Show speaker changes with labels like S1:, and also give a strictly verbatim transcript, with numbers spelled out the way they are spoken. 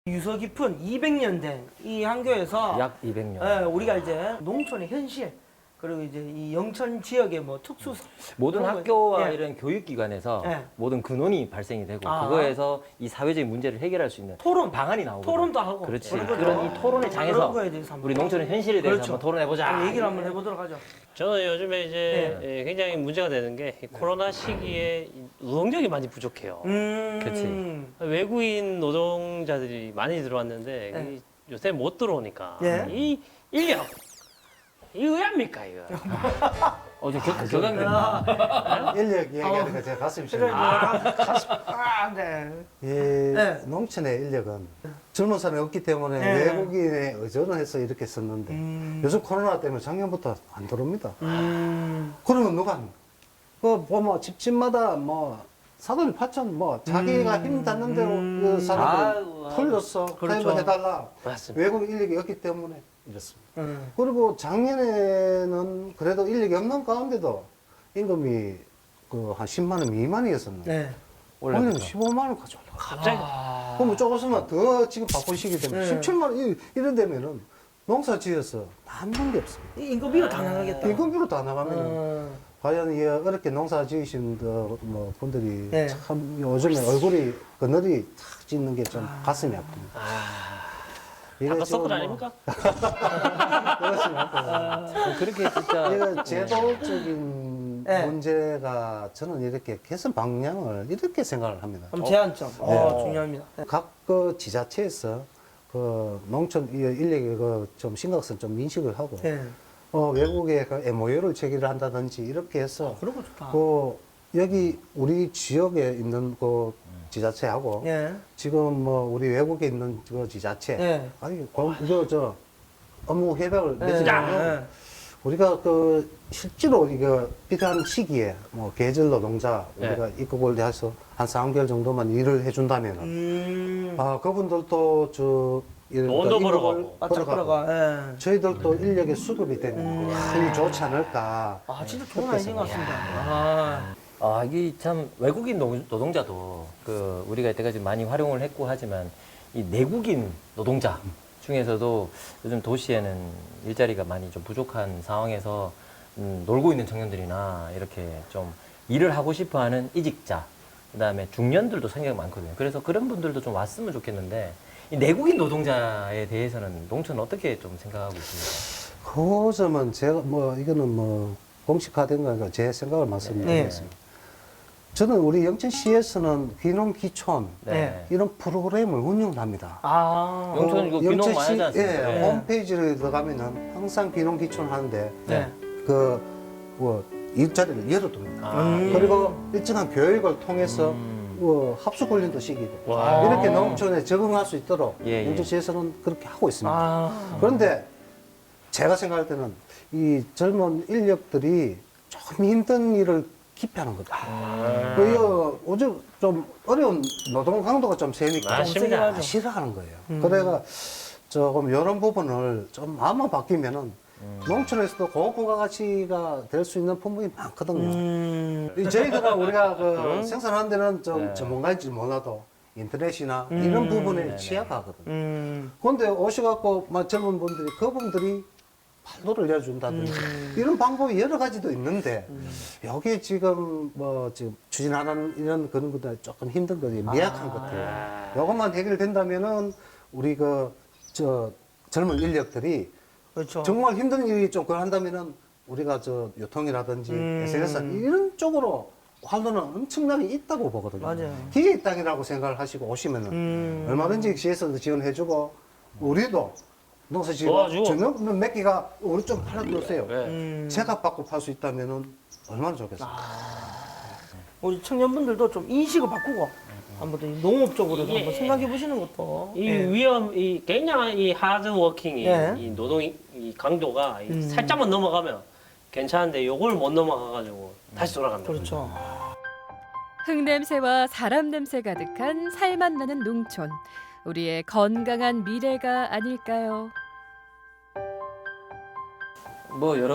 S1: 유서 깊은 이백 년 된 이 한교에서
S2: 약 이백 년.
S1: 예, 우리가 이제 농촌의 현실 그리고 이제 이 영천 지역의 뭐 특수
S2: 모든
S1: 그런 거-
S2: 학교와
S1: 예.
S2: 이런 교육기관에서
S1: 예.
S2: 모든 근원이 발생이 되고
S1: 아.
S2: 그거에서 이 사회적인 문제를 해결할 수 있는
S1: 토론
S2: 방안이 나오고
S1: 토론도 하고
S2: 그렇지.
S1: 그런 거죠.
S2: 그런 이 토론의
S1: 그런
S2: 장에서
S1: 거에 대해서 한번
S2: 우리 농촌의 현실에 대해서
S1: 그렇죠.
S2: 한번 토론해보자.
S1: 좀 얘기를 한번 해보도록 하죠.
S3: 저는 요즘에 이제 예, 굉장히 문제가 되는 게이 코로나 시기에 이 노동력이 많이 부족해요.
S1: 음,
S2: 그치.
S3: 외국인 노동자들이 많이 들어왔는데
S1: 네.
S3: 이 요새 못 들어오니까
S1: 네.
S3: 이 인력 이 의합니까 이거?
S2: 어, 좀 격, 격앙된다.
S4: 인력 이야기하니까 제가 가슴이
S1: 그래,
S4: 시원해요.
S1: 가슴, 아, 네.
S4: 이
S1: 네.
S4: 농촌의 인력은 젊은 사람이 없기 때문에
S1: 네.
S4: 외국인에 의존을 해서 이렇게 썼는데
S1: 음.
S4: 요즘 코로나 때문에 작년부터 안 들어옵니다.
S1: 음,
S4: 그러면 누가 합니까? 그 보면 집집마다 뭐 사돈이 파천 뭐 자기가
S1: 음.
S4: 힘 닿는 대로
S1: 음.
S4: 그 사람들
S2: 아유, 아유.
S4: 풀렸어.
S1: 그렇죠.
S4: 그렇죠. 해달라.
S3: 맞습니다.
S4: 외국 인력이 없기 때문에 이렇습니다.
S1: 음.
S4: 그리고 작년에는 그래도 인력이 없는 가운데도 임금이 그 한 십만 원 미만이었었는데
S1: 네.
S4: 올해는 십오만 원까지 올라.
S3: 갑자기
S1: 아.
S4: 그러면 조금 있으면 더 지금 바쁜 시기 때문에
S1: 네.
S4: 십칠만 원 이- 이런 데면은 농사 지어서 남는 게 없습니다.
S1: 이 인건비가 다 나가겠다.
S4: 인건비로 다 나가면은
S1: 음.
S4: 과연 이 어렵게 농사 지으신 그 뭐 분들이
S1: 네.
S4: 참 요즘에 얼굴이 그늘이 탁 찢는 게 좀 가슴이 아픕니다.
S3: 아,
S4: 이거
S3: 아까
S4: 지금
S3: 서클
S4: 뭐
S3: 아닙니까?
S4: 그렇습니다.
S2: 그렇게 진짜.
S4: 이거 제도적인
S1: 네.
S4: 문제가 저는 이렇게 개선 방향을 이렇게 생각을 합니다.
S1: 그럼 제한점. 어, 중요합니다. 네.
S4: 각 그 지자체에서 그 농촌 이 인력의 그좀 심각성 좀 인식을 하고
S1: 네.
S4: 어, 외국에 그 엠오유를 체결을 한다든지 이렇게 해서
S1: 그런 거 좋다.
S4: 그 여기 우리 지역에 있는 그 지자체하고
S1: 예.
S4: 지금 뭐 우리 외국에 있는 그 지자체
S1: 예.
S4: 아니 이거 저 업무 협약을
S1: 예.
S4: 맺으면
S1: 예.
S4: 우리가 그 실제로 이거 필요한 시기에 뭐 계절 노동자
S3: 예.
S4: 우리가 입국을 해서 한 삼 개월 정도만 일을 해준다면은
S1: 음.
S4: 아 그분들도 저 이런
S3: 돈도
S4: 그
S3: 벌어가고.
S4: 임금을
S1: 바짝
S4: 벌어가고
S1: 걸어가. 예.
S4: 저희들도 인력의 수급이 되면
S1: 음.
S4: 참 좋지 않을까.
S1: 아, 진짜 좋은 아이디어인 것 같습니다. 아.
S2: 아, 이게 참 외국인 노- 노동자도 그 우리가 이때까지 많이 활용을 했고 하지만 이 내국인 노동자 중에서도 요즘 도시에는 일자리가 많이 좀 부족한 상황에서 음, 놀고 있는 청년들이나 이렇게 좀 일을 하고 싶어 하는 이직자, 그 다음에 중년들도 생각이 많거든요. 그래서 그런 분들도 좀 왔으면 좋겠는데 이 내국인 노동자에 대해서는 농촌은 어떻게 좀 생각하고 있습니까?
S4: 그 점은 제가 뭐 이거는 뭐 공식화된 거니까 제 생각을 말씀드리겠습니다. 저는 우리 영천시에서는 귀농 귀촌
S1: 네.
S4: 이런 프로그램을 운영을 합니다.
S1: 아.
S2: 영천 이거 귀농 많이 하지 않습니까?
S4: 예,
S1: 네.
S4: 홈페이지를 들어가면은 항상 귀농 귀촌 하는데
S1: 네.
S4: 그 뭐 일자리를 열어둡니다.
S2: 아,
S1: 음.
S4: 그리고 일정한 교육을 통해서
S2: 음.
S4: 뭐 합숙 훈련도 시키고
S3: 와.
S4: 이렇게 농촌에 적응할 수 있도록
S2: 예, 예.
S4: 영천시에서는 그렇게 하고 있습니다.
S1: 아.
S4: 그런데 제가 생각할 때는 이 젊은 인력들이 조금 힘든 일을 기피하는 거다.
S2: 음.
S4: 그 이거 오죽 좀 어려운 노동 강도가 좀 세니까
S3: 맞습니다.
S4: 아, 싫어하는 거예요.
S1: 음.
S4: 그래가 조금 이런 부분을 좀 마음만 바뀌면은
S2: 음.
S4: 농촌에서도 고부가 가치가 될 수 있는 품목이 많거든요.
S1: 음.
S4: 이 저희들은 우리가 그 생산하는 데는 좀
S2: 네.
S4: 전문가인지 몰라도 인터넷이나
S1: 음.
S4: 이런 부분에
S2: 네네.
S4: 취약하거든요.
S1: 음.
S4: 그런데 오셔갖고 막 젊은 분들이 그분들이 판도를 내준다든지
S1: 음.
S4: 이런 방법이 여러 가지도 있는데 여기 지금 뭐 지금 추진하는 이런 그런 것들 조금 힘든 것이 미약한 것들 이것만 해결된다면은 우리 그 저 젊은 인력들이
S1: 그렇죠.
S4: 정말 힘든 일이 좀 그걸 한다면은 우리가 저 유통이라든지
S1: 음.
S4: 에스엔에스 이런 쪽으로 활로는 엄청나게 있다고 보거든요.
S1: 맞아요.
S4: 기회의 땅이라고 생각을 하시고 오시면은
S1: 음.
S4: 얼마든지 시에서도 지원해주고 우리도 농사
S3: 도와주고.
S4: 지고 저는 몇 개가 우리 좀 팔아주세요.
S3: 네.
S1: 음.
S4: 제값 받고 팔 수 있다면은 얼마나 좋겠어요.
S1: 우리 청년분들도 좀 인식을 바꾸고 한번 더 농업 쪽으로도
S3: 예.
S1: 한번 생각해 보시는 것도.
S3: 이
S1: 예.
S3: 위험, 이 굉장한 이 하드 워킹이
S1: 예.
S3: 이 노동 이 강도가 이
S1: 음.
S3: 살짝만 넘어가면 괜찮은데 요걸 못 넘어가가지고 다시 돌아갑니다.
S1: 그렇죠.
S5: 흙냄새와 사람 냄새 가득한 살맛 나는 농촌. 우리의 건강한 미래가 아닐까요?
S2: 뭐 여러